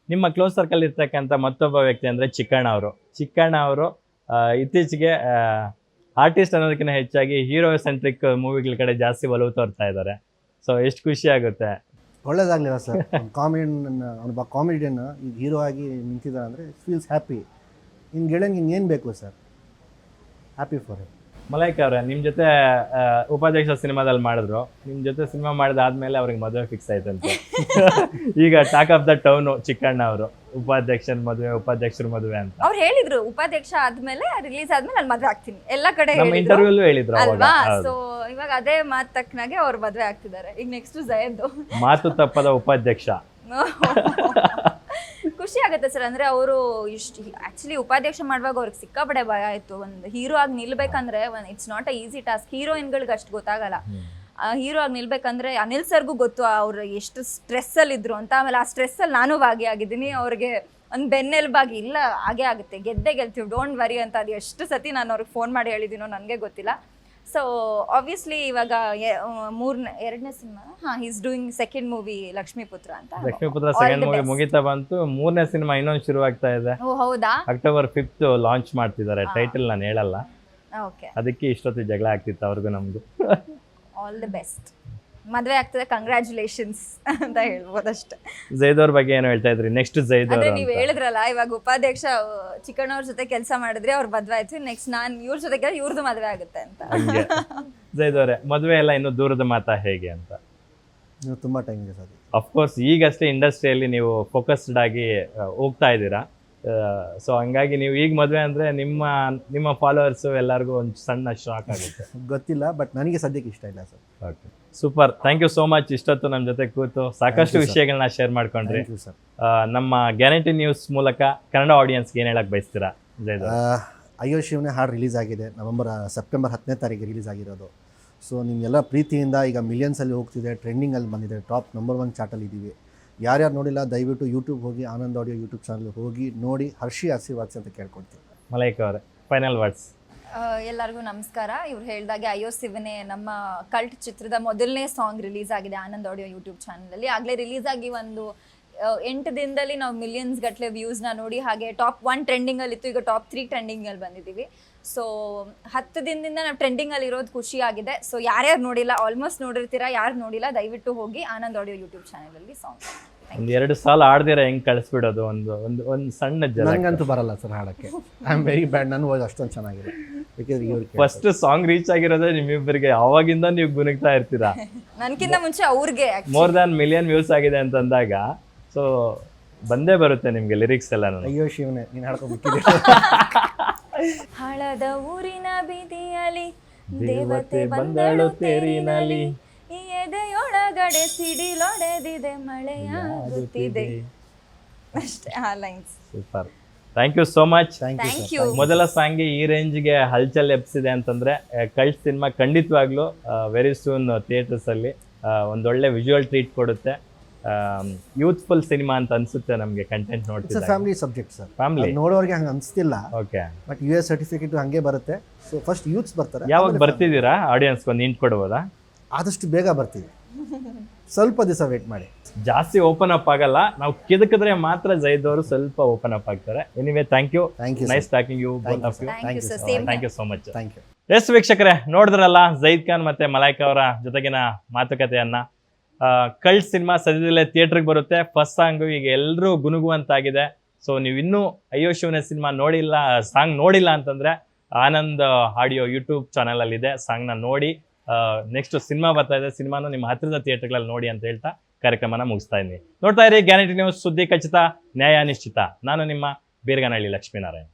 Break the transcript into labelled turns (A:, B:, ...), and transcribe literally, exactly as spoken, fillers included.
A: ನಿಮ್ಮ close circle ಇರ್ತಕ್ಕಂಥ ಮತ್ತೊಬ್ಬ ವ್ಯಕ್ತಿ ಅಂದರೆ ಚಿಕ್ಕಣ್ಣ ಅವರು. ಚಿಕ್ಕಣ್ಣ ಅವರು ಇತ್ತೀಚೆಗೆ ಆರ್ಟಿಸ್ಟ್ ಅನ್ನೋದಕ್ಕಿಂತ ಹೆಚ್ಚಾಗಿ ಹೀರೋ ಸೆಂಟ್ರಿಕ್ ಮೂವಿಗಳ ಕಡೆ ಜಾಸ್ತಿ ಒಲವು ತೋರ್ತಾ ಇದ್ದಾರೆ. ಸೊ ಎಷ್ಟು ಖುಷಿ ಆಗುತ್ತೆ.
B: ಒಳ್ಳೇದಾಗಲಿಲ್ಲ ಸರ್. ಕಾಮಿಡಿಯನ್ ಒಬ್ಬ ಕಾಮಿಡಿಯನ್ ಈಗ ಹೀರೋ ಆಗಿ ನಿಂತಿದ್ದಾರೆ ಅಂದರೆ ಫೀಲ್ಸ್ ಹ್ಯಾಪಿ. ಇನ್ನು ಗೆಳೆಯಂಗೆ ಇನ್ನೇನು ಬೇಕು ಸರ್, ಹ್ಯಾಪಿ ಫಾರ್ ಹಿಮ್.
A: ಮಲೈಕ್ ಅವರೇ, ನಿಮ್ಮ ಜೊತೆ ಉಪಾಧ್ಯಕ್ಷ ಸಿನಿಮಾದಲ್ಲಿ ಮಾಡಿದ್ರು. ನಿಮ್ಮ ಜೊತೆ ಸಿನಿಮಾ ಮಾಡಿದಾದ್ಮೇಲೆ ಅವ್ರಿಗೆ ಮದುವೆ ಫಿಕ್ಸ್ ಆಯ್ತಂತೆ. ಈಗ talk of the town Chikkanna ಅವರು, ಉಪಾಧ್ಯಕ್ಷನ ಮದುವೆ, ಉಪಾಧ್ಯಕ್ಷರ ಮದುವೆ ಅಂತ
C: ಅವ್ರು ಹೇಳಿದ್ರು. ಉಪಾಧ್ಯಕ್ಷ ಆದ್ಮೇಲೆ ರಿಲೀಸ್ ಆದ್ಮೇಲೆ ನಾನು ಮದುವೆ ಆಗ್ತೀನಿ ಎಲ್ಲ ಕಡೆ
A: ನಮ್ಮ ಇಂಟರ್ವ್ಯೂಲ್ಲೂ ಹೇಳಿದ್ರು
C: ಅಲ್ವಾ. ಸೊ ಇವಾಗ ಅದೇ ಮಾತು ತಕ್ಕನಾಗೆ ಅವ್ರು ಮದುವೆ ಆಗ್ತಿದ್ದಾರೆ. ಈಗ ನೆಕ್ಸ್ಟ್ ಜಯದ್ದು
A: ಮಾತು ತಪ್ಪದ ಉಪಾಧ್ಯಕ್ಷ.
C: ಖುಷಿ ಆಗುತ್ತೆ ಸರ್. ಅಂದ್ರೆ ಅವರು ಇಷ್ಟು ಆಕ್ಚುಲಿ ಉಪಾಧ್ಯಕ್ಷ ಮಾಡುವಾಗ ಅವ್ರಿಗೆ ಸಿಕ್ಕಾಪಡೆ ಭಯ ಆಯ್ತು. ಒಂದು ಹೀರೋ ಆಗಿ ನಿಲ್ಬೇಕಂದ್ರೆ it's not a easy task. ಹೀರೋಯಿನ್ಗಳಿಗೆ ಅಷ್ಟು ಗೊತ್ತಾಗಲ್ಲ. ಹೀರೋ ಆಗಿ ನಿಲ್ಬೇಕಂದ್ರೆ ಅನಿಲ್ ಸರ್ಗೂ ಗೊತ್ತು ಅವ್ರು ಎಷ್ಟು ಸ್ಟ್ರೆಸ್ ಅಲ್ಲಿ ಇದ್ರು ಅಂತ. ಆಮೇಲೆ ಆ ಸ್ಟ್ರೆಸ್ ಅಲ್ಲಿ ನಾನು ಭಾಗಿಯಾಗಿದ್ದೀನಿ. ಅವ್ರಿಗೆ ಒಂದು ಬೆನ್ನೆಲುಬಾಗಿ ಇಲ್ಲ ಹಾಗೆ ಆಗುತ್ತೆ, ಗೆದ್ದೆ ಗೆಲ್ತೀವಿ, ಡೋಂಟ್ ವರಿ ಅಂತ. ಅದು ಎಷ್ಟು ಸತಿ ನಾನು ಅವ್ರಿಗೆ ಫೋನ್ ಮಾಡಿ ಹೇಳಿದ್ದೀನೋ ನನಗೆ ಗೊತ್ತಿಲ್ಲ. ಸೊ ಆಬ್ವಿಯಸ್ಲಿ ಇವಾಗ ಮೂರನೇ ಎರಡನೇ ಸಿನಿಮಾ ಹಾಂ is doing second movie Lakshmiputra ಅಂತ.
A: ಲಕ್ಷ್ಮೀಪುತ್ರ ಸೆಕೆಂಡ್ ಮೂವಿ ಮುಗಿತಾ ಬಂತು. ಮೂರನೇ ಸಿನಿಮಾ ಇನ್ನೊಂದು ಶುರು ಆಗ್ತಾ ಇದೆ.
C: ಓ ಹೌದಾ?
A: ಅಕ್ಟೋಬರ್ ಫಿಫ್ತ್ ಲಾಂಚ್ ಮಾಡ್ತಿದ್ದಾರೆ. ಟೈಟಲ್ ನಾನು ಹೇಳಲ್ಲ,
C: ಓಕೆ.
A: ಅದಕ್ಕೆ ಇಷ್ಟೊತ್ತಿಗೆ ಜಗಳ ಆಗ್ತಿತ್ತು ಅವ್ರಿಗೂ ನಮ್ದು.
C: All the best. ಮದುವೆ ಆಗ್ತದೆ, ಕಂಗ್ರ್ಯಾಚುಲೇಷನ್ಸ್ ಅಂತ ಹೇಳ್ಬೋದು ಅಷ್ಟೇ.
A: ಜೈದ್ ಅವ್ರ ಬಗ್ಗೆ ಏನು ಹೇಳ್ತಾ ಇದ್ರಿ? ನೆಕ್ಸ್ಟ್ ಜೈದ್
C: ಅದೇ
A: ಅವರು
C: ನೀವು ಹೇಳಿದ್ರಲ್ಲ, ಇವಾಗ ಉಪಾಧ್ಯಕ್ಷ ಚಿಕ್ಕಣ್ಣವ್ರ ಜೊತೆ ಕೆಲಸ ಮಾಡಿದ್ರೆ ಅವ್ರ ಮದುವೆ ಆಯ್ತು. ನೆಕ್ಸ್ಟ್ ನಾನು ಇವ್ರ ಜೊತೆ ಕೆಲಸ ಇವ್ರದ್ದು ಮದುವೆ ಆಗುತ್ತೆ ಅಂತ.
A: ಹಂಗೆ ಜೈದ್ ಅವರೇ, ಮದುವೆ ಎಲ್ಲ ಇನ್ನು ದೂರದ ಮಾತಾ ಹೇಗೆ ಅಂತ?
B: ನೀವು ತುಂಬ ಟೈಮ್ ಇದೆ ಸರ್.
A: ಅಫ್ಕೋರ್ಸ್ ಈಗಷ್ಟೇ ಇಂಡಸ್ಟ್ರಿಯಲ್ಲಿ ನೀವು ಫೋಕಸ್ಡ್ ಆಗಿ ಹೋಗ್ತಾ ಇದ್ದೀರಾ. ಸೊ ಹಂಗಾಗಿ ನೀವು ಈಗ ಮದುವೆ ಅಂದರೆ ನಿಮ್ಮ ನಿಮ್ಮ ಫಾಲೋವರ್ಸು ಎಲ್ಲರಿಗೂ ಒಂದು ಸಣ್ಣ ಶಾಕ್ ಆಗುತ್ತೆ.
B: ಗೊತ್ತಿಲ್ಲ, ಬಟ್ ನನಗೆ ಸದ್ಯಕ್ಕೆ ಇಷ್ಟ ಇಲ್ಲ sir.
A: Okay, super. Thank you so much. ಇಷ್ಟೊತ್ತು ನಮ್ಮ ಜೊತೆ ಕೂತು ಸಾಕಷ್ಟು ವಿಷಯಗಳನ್ನ ಶೇರ್ ಮಾಡ್ಕೊಂಡ್ರಿ.
B: ಸರ್,
A: ನಮ್ಮ ಗ್ಯಾರಂಟಿ ನ್ಯೂಸ್ ಮೂಲಕ ಕನ್ನಡ ಆಡಿಯನ್ಸ್ಗೆ ಏನು ಹೇಳಕ್ ಬಯಸ್ತೀರಾ? ಜೈದ್
B: ಅಯ್ಯೋ ಶಿವನೇ ಹಾಡು ರಿಲೀಸ್ ಆಗಿದೆ. ನವೆಂಬರ್ ಸೆಪ್ಟೆಂಬರ್ ಹತ್ತನೇ ತಾರೀಕಿಗೆ ರಿಲೀಸ್ ಆಗಿರೋದು. ಸೊ ನಿಮಗೆಲ್ಲ ಪ್ರೀತಿಯಿಂದ ಈಗ ಮಿಲಿಯನ್ಸಲ್ಲಿ ಹೋಗ್ತಿದೆ, ಟ್ರೆಂಡಿಂಗಲ್ಲಿ ಬಂದಿದೆ, ಟಾಪ್ ನಂಬರ್ ಒನ್ ಚಾರ್ಟಲ್ಲಿ ಇದ್ದೀವಿ. ಯಾರ್ಯಾರು ನೋಡಿಲ್ಲ ದಯವಿಟ್ಟು ಯೂಟ್ಯೂಬ್ ಹೋಗಿ, ಆನಂದ್ ಆಡಿಯೋ ಯೂಟ್ಯೂಬ್ ಚಾನಲ್ ಹೋಗಿ ನೋಡಿ ಹರ್ಷಿ ಆಶೀರ್ವಾದಿಸಿ ಅಂತ ಕೇಳ್ಕೊಳ್ತೀನಿ.
A: ಮಲೈಕ್ ಅವರೇ, ಫೈನಲ್ ವರ್ಡ್ಸ್.
C: ಎಲ್ಲರಿಗೂ ನಮಸ್ಕಾರ. ಇವ್ರು ಹೇಳಿದಾಗೆ ಅಯ್ಯೋ ಶಿವನೇ ನಮ್ಮ ಕಲ್ಟ್ ಚಿತ್ರದ ಮೊದಲನೇ ಸಾಂಗ್ ರಿಲೀಸ್ ಆಗಿದೆ ಆನಂದ್ ಆಡಿಯೋ ಯೂಟ್ಯೂಬ್ ಚಾನಲಲ್ಲಿ. ಆಗಲೇ ರಿಲೀಸ್ ಆಗಿ ಒಂದು ಎಂಟು ದಿನದಲ್ಲಿ ನಾವು ಮಿಲಿಯನ್ಸ್ ಗಟ್ಟಲೆ ವ್ಯೂಸ್ನ ನೋಡಿ, ಹಾಗೆ ಟಾಪ್ ಒನ್ ಟ್ರೆಂಡಿಂಗಲ್ಲಿ ಇತ್ತು, ಈಗ ಟಾಪ್ ತ್ರೀ ಟ್ರೆಂಡಿಂಗಲ್ಲಿ ಬಂದಿದ್ದೀವಿ. ಸೊ ಹತ್ತು ದಿನದಿಂದ ನಾವು ಟ್ರೆಂಡಿಂಗಲ್ಲಿ ಇರೋದು ಖುಷಿ ಆಗಿದೆ. ಸೊ ಯಾರ್ಯಾರು ನೋಡಿಲ್ಲ, ಆಲ್ಮೋಸ್ಟ್ ನೋಡಿರ್ತೀರಾ, ಯಾರು ನೋಡಿಲ್ಲ ದಯವಿಟ್ಟು ಹೋಗಿ ಆನಂದ್ ಆಡಿಯೋ ಯೂಟ್ಯೂಬ್ ಚಾನಲಲ್ಲಿ ಸಾಂಗ್.
A: ಒಂದು ಎರಡು ಸಾಲ ಆಡ್ದಿರ ಹೆಂಗ್ ಕಳಿಸ್ಬಿಡೋದು? ಒಂದು ಒಂದು ಒಂದು ಸಣ್ಣ ಜನ.
B: ನನಗಂತೂ ಬರಲ್ಲ ಸರ್ ಹಾಡಕ್ಕೆ. I am very bad. ನನ್ನ ವಾಯ್ಸ್ ಅಷ್ಟೊಂದು ಚೆನ್ನಾಗಿದೆ.
A: ಫಸ್ಟ್ ಸಾಂಗ್ ರೀಚ್ ಆಗಿರೋದೇ ನಿಮ್ಮಿಬ್ಬರಿಗೆ. ಅವಾಗಿಂದ ನೀವು ಗುಣಗ್ತಾ ಇರ್ತೀರಾ.
C: ನನ್ಕಿಂತ ಮುಂಚೆ ಅವ್ರಿಗೆ
A: ಮೋರ್ ದ್ಯಾನ್ ಮಿಲಿಯನ್ ವ್ಯೂಸ್ ಆಗಿದೆ ಅಂತಂದಾಗ ಸೊ ಬಂದೇ ಬರುತ್ತೆ ನಿಮ್ಗೆ ಲಿರಿಕ್ಸ್ ಎಲ್ಲ.
B: ಅಯ್ಯೋ ಶಿವನೇ ನೀನು ಹಾಡ್ಕೊಂಡ್ಬಿಟ್ಟಿದೆ.
C: ಹಳದ ಊರಿನ ಬೀದಿಯಲ್ಲಿ ದೇವತೆ ಬಂದಳು ತೇರಿನಲ್ಲಿ, ಈ ಎದೆಯೊಳಗಡೆ ಸಿಡಿಲೊಡೆದಿದೆ, ಮಳೆಯಾಗುತ್ತಿದೆ. ಅಷ್ಟೇ ಆ lines.
A: Super, thank you so much.
C: Thank you.
A: ಮೊದಲ ಸಾಂಗ್ಗೆ ಈ ರೇಂಜ್ಗೆ ಹಲ್ಚಲ್ ಎಬ್ಸಿದೆ ಅಂತಂದ್ರೆ ಕಲ್ಟ್ ಸಿನಿಮಾ ಖಂಡಿತವಾಗ್ಲೂ ವೆರಿ ಸೂನ್ ಥಿಯೇಟರ್ಸ್ ಅಲ್ಲಿ ಒಂದೊಳ್ಳೆ ವಿಜುವಲ್ ಟ್ರೀಟ್ ಕೊಡುತ್ತೆ. ಯೂತ್ಫುಲ್ ಸಿನಿಮಾ ಅಂತ ಅನ್ಸುತ್ತೆ ನಮಗೆ ಕಂಟೆಂಟ್ ನೋಡ್ತಿದ್ದೆ.
B: Family subject sir.
A: ಫ್ಯಾಮಿಲಿ
B: ನೋಡೋರಿಗೆ ಹಂಗೆ ಅನಿಸ್ತಿಲ್ಲ.
A: Okay,
B: but U S certificate ಹಂಗೆ ಬರುತ್ತೆ. ಸೊ ಫಸ್ಟ್ ಯೂತ್ಸ್ ಬರ್ತಾರೆ.
A: ಯಾವಾಗ ಬರ್ತಿದ್ದೀರಾ? ಆಡಿಯನ್ಸ್ಗೆ ಒಂದು ಹಿಂಟ್ ಕೊಡ್ಬೋದಾ?
B: ಆದಷ್ಟು ಬೇಗ ಬರ್ತೀವಿ, ಸ್ವಲ್ಪ ದಿವಸ ವೇಟ್ ಮಾಡಿ.
A: ಜಾಸ್ತಿ ಓಪನ್ ಅಪ್ ಆಗಲ್ಲ, ನಾವು ಕಿದಕಿದ್ರೆ ಮಾತ್ರ ಜೈದ್ ಅವರು ಸ್ವಲ್ಪ ಓಪನ್ ಅಪ್ ಆಗ್ತಾರೆ. Anyway, thank you.
B: Thank you.
A: Nice talking you both of you.
C: Thank you sir. Same.
A: Thank you so much.
B: Thank you.
A: Yes ವೀಕ್ಷಕರೇ, ನೋಡಿದ್ರಲ್ಲ ಜೈದ್ ಖಾನ್ ಮತ್ತೆ ಮಲೈಕ್ ಅವರ ಜೊತೆಗಿನ ಮಾತುಕತೆಯನ್ನ. ಕಲ್ಟ್ ಸಿನಿಮಾ ಸದ್ಯದಲ್ಲೇ ಥಿಯೇಟರ್ಗೆ ಬರುತ್ತೆ. ಫಸ್ಟ್ ಸಾಂಗು ಈಗ ಎಲ್ಲರೂ ಗುನುಗುವಂತಾಗಿದೆ. ಸೊ ನೀವು ಇನ್ನೂ ಅಯ್ಯೋ ಶಿವನೇ ಸಿನಿಮಾ ನೋಡಿಲ್ಲ, ಸಾಂಗ್ ನೋಡಿಲ್ಲ ಅಂತಂದ್ರೆ ಆನಂದ್ ಆಡಿಯೋ ಯೂಟ್ಯೂಬ್ ಚಾನಲ್ ಅಲ್ಲಿ ಇದೆ, ಸಾಂಗ್ನ ನೋಡಿ. ನೆಕ್ಸ್ಟ್ ಸಿನಿಮಾ ಬರ್ತಾ ಇದೆ, ಸಿನಿಮಾನು ನಿಮ್ಮ ಹತ್ತಿರದ ಥಿಯೇಟರ್ಗಳಲ್ಲಿ ನೋಡಿ ಅಂತ ಹೇಳ್ತಾ ಕಾರ್ಯಕ್ರಮನ ಮುಗಿಸ್ತಾ ಇದ್ದೀನಿ. ನೋಡ್ತಾ ಇರಿ ಗ್ಯಾರಂಟಿ ನ್ಯೂಸ್, ಸುದ್ದಿ ಖಚಿತ, ನ್ಯಾಯ ನಿಶ್ಚಿತ. ನಾನು ನಿಮ್ಮ ಬೀರ್ಗನಹಳ್ಳಿ ಲಕ್ಷ್ಮೀನಾರಾಯಣ್.